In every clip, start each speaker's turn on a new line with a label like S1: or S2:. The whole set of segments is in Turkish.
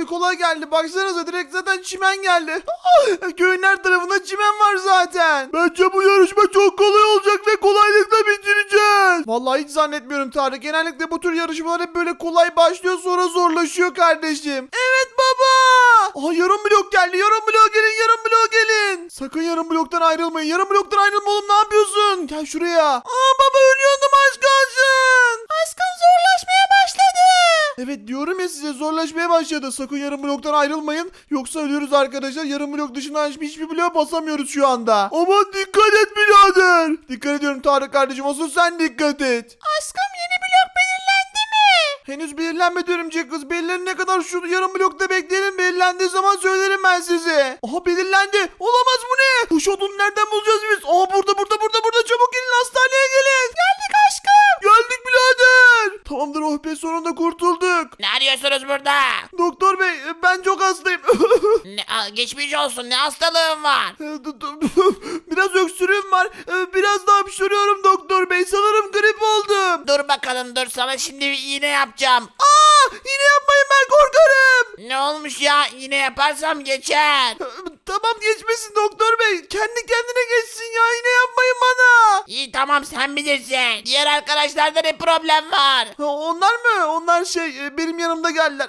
S1: kolay geldi. Baksanıza direkt zaten çimen geldi. Köyün her tarafında çimen var zaten. Bence bu yarışma çok kolay olacak ve kolaylıkla bitireceğiz. Vallahi hiç zannetmiyorum Tarık. Genellikle bu tür yarışmalar hep böyle kolay başlıyor sonra zorlaşıyor kardeşim. Evet baba. Aha yarım blok geldi. Yarım blok gelin. Yarım blok gelin. Sakın yarım bloktan ayrılmayın. Yarım bloktan ayrılma oğlum, ne yapıyorsun? Gel şuraya. Aa baba ölüyordum, az kalsın. Aşkım zorlaşmaya başladı. Evet diyorum ya size, zorlaşmaya başladı. Sakın yarım bloktan ayrılmayın. Yoksa ölüyoruz arkadaşlar. Yarım blok dışında hiçbir bloğa basamıyoruz şu anda. Aman dikkat et birader. Dikkat ediyorum Tarık kardeşim. Asıl sen dikkat et. Aşkım yeni blok belirlendi mi? Henüz belirlenmedi örümcek kız. Belirlenene kadar şu yarım blokta bekleyelim. Belirlendiği zaman söylerim ben size. Aha belirlendi. Olamaz, bu ne? Kuş odunu nereden bulacağız biz? Aha burada. Çabuk gelin, hastaneye gelin. Geldik aşkım. Geldik birader. Tamamdır, oh be, sonunda kurtulduk.
S2: Ne arıyorsunuz burada?
S1: Doktor bey ben çok hastayım.
S2: Geçmiş olsun, ne hastalığın var?
S1: Biraz öksürüğüm var. Biraz daha hapşırıyorum doktor bey. Sanırım grip oldum.
S2: Dur bakalım, dur sana şimdi bir iğne yapacağım.
S1: Yine yapmayın, ben korkarım.
S2: Ne olmuş ya, iğne yaparsam geçer.
S1: Tamam geçmesin doktor bey. Kendi kendine geçsin ya. Yine yapmayın bana.
S2: İyi tamam, sen bilirsin. Diğer arkadaşlarda ne problem var?
S1: Onlar mı? Onlar benim yanımda geldiler.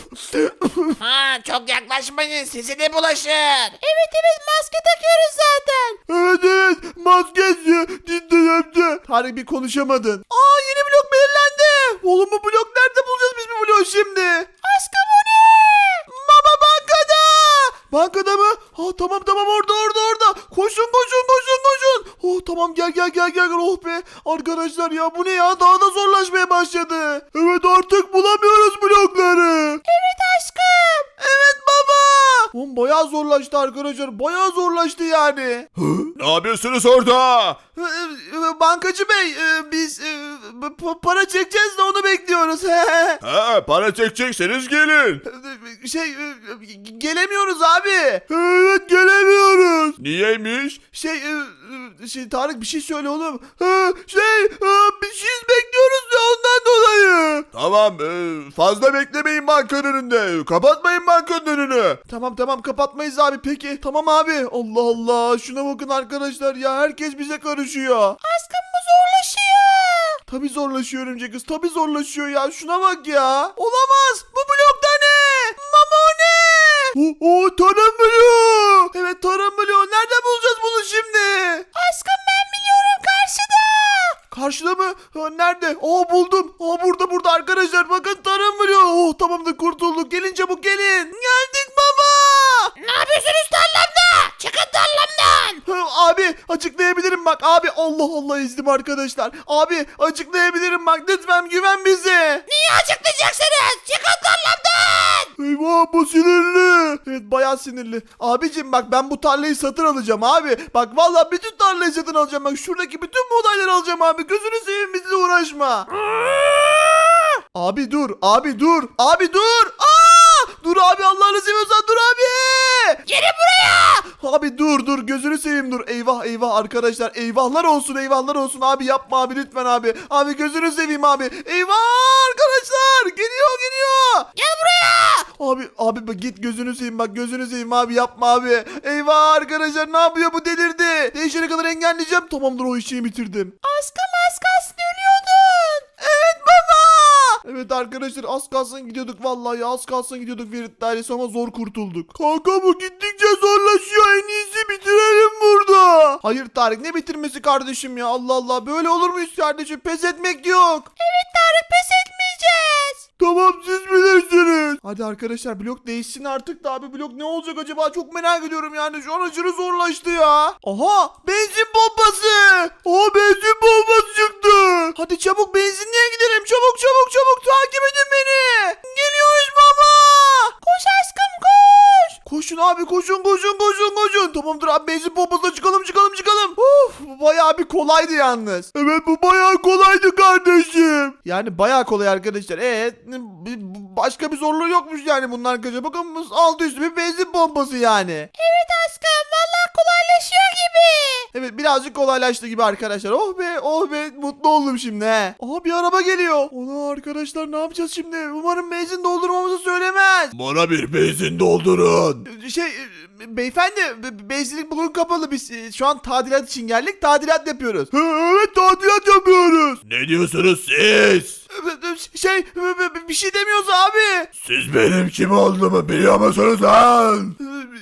S2: Ha, çok yaklaşmayın, size de bulaşır.
S1: Evet maske takıyoruz zaten. Evet maskesi. Cidden. Tarık bir konuşamadın. Yeni blok belirlendi. Oğlum bu blok nerede bulacağız biz bu bloğu şimdi? Aşkım o ne? Baba bankada. Bankada mı? Tamam orada. Koşun. Oh tamam gel. Oh be. Arkadaşlar ya bu ne ya? Daha da zorlaşmaya başladı. Evet artık bulamıyoruz blokları. Evet aşkım. Evet baba. Oğlum bayağı zorlaştı arkadaşlar. Bayağı zorlaştı yani.
S3: Ne yapıyorsunuz orada?
S1: Bankacı bey biz para çekeceğiz de onu bekliyoruz.
S3: Para çekecekseniz gelin.
S1: Gelemiyoruz abi. Evet gelemiyoruz.
S3: Niyeymiş?
S1: Tarık bir şey söyle oğlum. Bir şey bekliyoruz ya ondan dolayı.
S3: Tamam, fazla beklemeyin bankanın önünde. Kapatmayın bankanın önünü.
S1: Tamam kapatmayız abi peki. Tamam abi. Allah Allah şuna bakın arkadaşlar ya, herkes bize karışıyor. Aşkım bu zorlaşıyor. Tabii zorlaşıyor örümcek kız. Tabii zorlaşıyor ya. Şuna bak ya. Olamaz. Bu blokta ne? Mama o ne? Tarım bloğu. Evet tarım bloğu. Nerede bulacağız bunu şimdi? Aşkım ben biliyorum, karşıda. Karşıda mı? Nerede? Buldum. Burada arkadaşlar. Bakın tarım bloğu. Tamamdır, kurtulduk. Gelin çabuk gelin. Geldik baba.
S2: Ne yapıyorsunuz tarlamda? Çıkın tarlamdan.
S1: Abi açıklayabilirim bak. Abi Allah ezdim arkadaşlar. Abi açıklayabilirim bak. Lütfen güven bize.
S2: Niye açıklayacaksınız? Çıkın tarlamdan.
S1: Eyvah bu sinirli. Evet bayağı sinirli. Abicim bak ben bu tarlayı satın alacağım abi. Bak vallahi bütün tarlayı satın alacağım. Bak şuradaki bütün buğdayları alacağım abi. Gözünü seveyim bizle uğraşma. Abi dur. Dur abi, Allah'ını seviyorsan dur abi.
S2: Gelin buraya.
S1: Abi dur gözünü seveyim dur. Eyvah arkadaşlar, eyvahlar olsun abi, yapma abi lütfen abi. Abi gözünü seveyim abi. Eyvah arkadaşlar, geliyor.
S2: Gel buraya.
S1: Abi bak git, gözünü seveyim bak, gözünü seveyim abi, yapma abi. Eyvah arkadaşlar, ne yapıyor bu, delirdi. Değişene kadar engelleyeceğim. Tamamdır, o işi bitirdim. Aşkım az kalsın ölüyordun. Evet baba. Evet arkadaşlar az kalsın gidiyorduk, vallahi az kalsın gidiyorduk Ferit dairesi ama zor kurtulduk. Kanka bu gittikçe zorlaşıyor, en iyisi bitirelim burada. Hayır Tarık, ne bitirmesi kardeşim ya, Allah Allah, böyle olur muyuz kardeşim, pes etmek yok. Evet Tarık, pes etmeyeceğiz. Tamam siz bilirsiniz. Hadi arkadaşlar blok değişsin artık da abi, blok ne olacak acaba, çok merak ediyorum yani, şu an aşırı zorlaştı ya. Aha benzin pompası. Benzin pompası çıktı. Hadi çabuk benzinliğe gidelim, çabuk takip edin beni. Geliyoruz baba. Koş aşkım koş. Koşun abi koşun. Tamamdır abi, benzin pompasına çıkalım. Bayağı bayağı bir kolaydı yalnız.
S3: Evet bu bayağı kolaydı kardeşim.
S1: Yani bayağı kolay arkadaşlar. Başka bir zorluğu yokmuş yani bunun arkadaşlar. Bakın bu altı üstü bir benzin pompası yani.
S2: Evet aşkım valla kolaylaşıyor gibi.
S1: Evet birazcık kolaylaştı gibi arkadaşlar. Oh be oh be mutlu oldum şimdi he. Aha bir araba geliyor. Ona arkadaşlar ne yapacağız şimdi? Umarım benzin doldurmamızı söylemez.
S3: Bana bir benzin doldurun.
S1: Beyefendi benzinlik bugün kapalı. Biz şu an tadilat için geldik. Tadilat yapıyoruz.
S3: Evet tadilat yapıyoruz. Ne diyorsunuz siz?
S1: Bir şey demiyoruz abi.
S3: Siz benim kim olduğumu biliyor musunuz lan?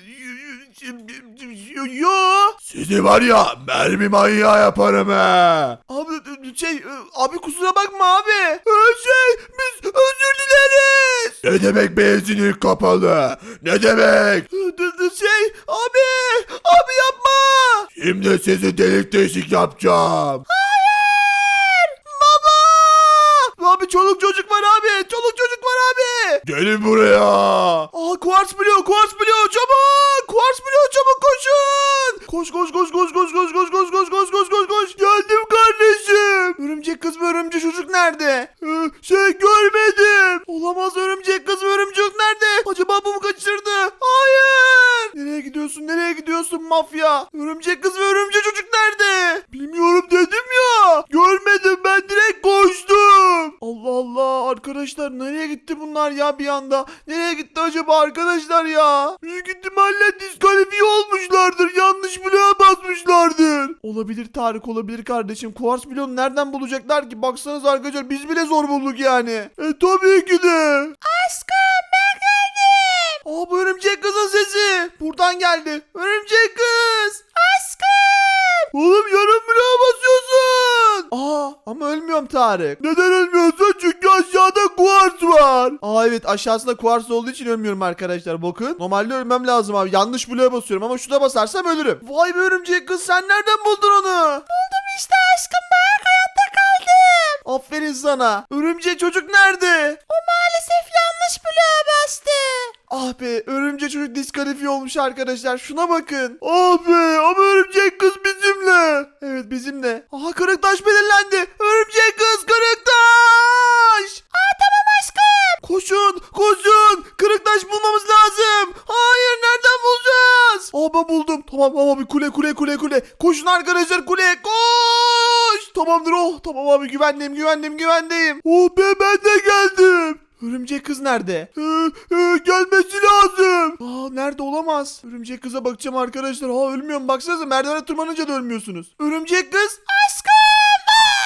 S1: Yo.
S3: Sizi var ya mermi manyağı yaparım he.
S1: Abi kusura bakma abi. Biz özür dileriz.
S3: Ne demek benzinlik kapalı? Ne demek?
S1: Abi yapma.
S3: Şimdi sizi delik deşik yapacağım.
S1: Abi çoluk çocuk var abi. Çoluk çocuk var abi.
S3: Gelin buraya.
S1: Kuars biliyor çabuk. Kuars biliyor çabuk koşun. Koş. Geldim kardeşim. Örümcek kız ve örümcek çocuk nerede? Görmedim. Olamaz örümcek kız ve örümcek çocuk nerede? Acaba bu mu kaçırdı? Hayır. Nereye gidiyorsun mafya? Örümcek kız ve örümcek çocuk nerede? Bilmiyorum dedim ya. Görmedim ben direkt koştum. Allah Allah arkadaşlar nereye gitti bunlar ya bir anda? Nereye gitti acaba arkadaşlar ya? Büyük ihtimalle diskalifiye olmuşlardır. Yanlış bloğa basmışlardır. Olabilir Tarık olabilir kardeşim. Kuars bloğunu nereden bulacaklar ki? Baksanız arkadaşlar biz bile zor bulduk yani. Tabii ki de.
S2: Aşkım ben geldim.
S1: Bu örümcek kızın sesi. Buradan geldi. Örümcek kız.
S2: Aşkım.
S1: Oğlum yarım bloğa basıyorsun. Ama ölmüyorum Tarık. Neden ölmüyorsun? Çünkü aşağıda kuars var. Evet aşağısında kuars olduğu için ölmüyorum arkadaşlar. Bakın. Normalde ölmem lazım abi. Yanlış bloğa basıyorum ama şuna basarsam ölürüm. Vay be örümcek kız sen nereden buldun onu?
S2: Buldum işte aşkım bak hayatta kaldım.
S1: Aferin sana. Örümcek çocuk nerede?
S2: O maalesef yanlış bloğa bastı.
S1: Ah be örümcek çocuk diskalifiye olmuş arkadaşlar. Şuna bakın. Ah be ama örümcek kız bizimle. Evet bizimle. Kırık taş belirlendi. Örümcek kız kırık taş.
S2: Tamam aşkım.
S1: Koşun. Kırık taş bulmamız lazım. Hayır nereden bulacağız? Ben buldum. Tamam abi kule. Koşun arkadaşlar kuleye koş. Tamamdır Tamam abi güvendeyim. Oh be ben de geldim. Örümcek kız nerede? Gelmesi lazım. Nerede olamaz. Örümcek kıza bakacağım arkadaşlar. Ölmüyorum baksanıza merdivene tırmanınca da ölmüyorsunuz. Örümcek kız. Aşkım.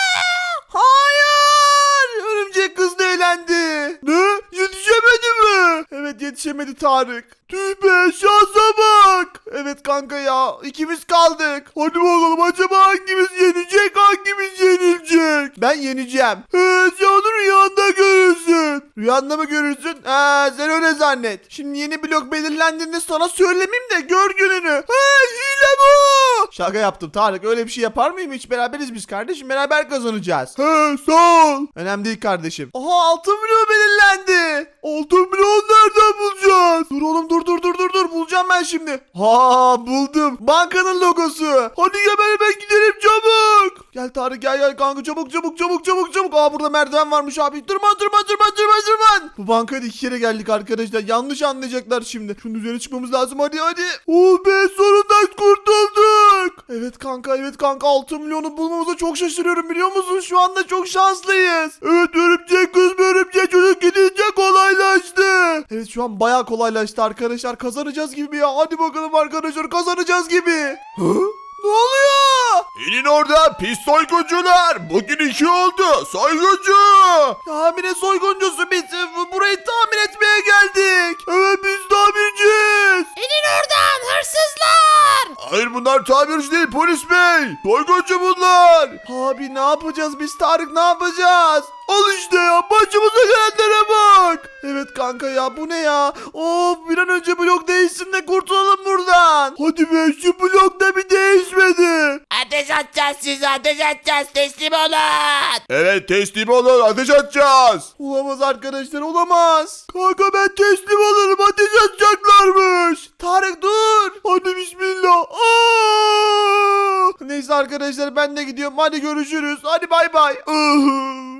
S1: Hayır. Örümcek kız da eğlendi. Ne? Yetişemedi mi? Evet yetişemedi Tarık. Tüh be şansa bak. Evet kanka ya ikimiz kaldık. Hadi bakalım acaba hangimiz yenecek hangimiz yenilecek? Ben yeneceğim. Sen onu rüyanda görürsün. Rüyanda mı görürsün? Sen öyle zannet. Şimdi yeni blok belirlendiğinde sana söylemeyeyim de gör gününü. Hile bu. Şaka yaptım Tarık öyle bir şey yapar mıyım hiç beraberiz biz kardeşim beraber kazanacağız. Sağ ol. Önemli değil kardeşim. Altın blok belirlendi. Altın blok nereden bulacağız? Dur oğlum dur bulacağım ben şimdi. Buldum. Bankanın logosu. Hadi gel ben gidelim çabuk. Gel Tarık gel kanka çabuk. Burada merdiven varmış abi. Tırman. Bu bankaya da 2 kere geldik arkadaşlar. Yanlış anlayacaklar şimdi. Şunun üzerine çıkmamız lazım hadi. Oh be sonunda kurtulduk. Evet kanka 6 milyonu bulmamıza çok şaşırıyorum biliyor musun? Şu anda çok şanslıyız. Evet örümcek kız ve örümcek çocuk gidince kolaylaştı. Evet şu an bayağı kolaylaştı arkadaşlar. Kazanacağız gibi ya. Hadi bakalım arkadaşlar kazanacağız gibi. Ne oluyor?
S3: İnin orada pis soyguncular. Bugün 2 oldu. Soyguncu.
S1: Tamire soyguncusu biz. Burayı tamir etmeye geldik. Evet biz tamirciyiz.
S2: İnin oradan hırsızlar.
S3: Hayır bunlar tamirci değil polis bey. Soyguncu bunlar.
S1: Abi ne yapacağız biz Tarık ne yapacağız? Al işte ya başımıza gelenlere bak. Evet kanka ya bu ne ya? Of bir an önce blok değişsin de kurtulalım buradan. Hadi be şu blok da bir değişmedi.
S2: Ateş atacağız size ateş atacağız teslim olun.
S3: Evet teslim olun ateş atacağız.
S1: Olamaz arkadaşlar olamaz. Kanka ben teslim olurum ateş atacağım. yapacaklarmış. Tarık dur. Hadi bismillah. Neyse arkadaşlar ben de gidiyorum. Hadi görüşürüz. Hadi bay bay.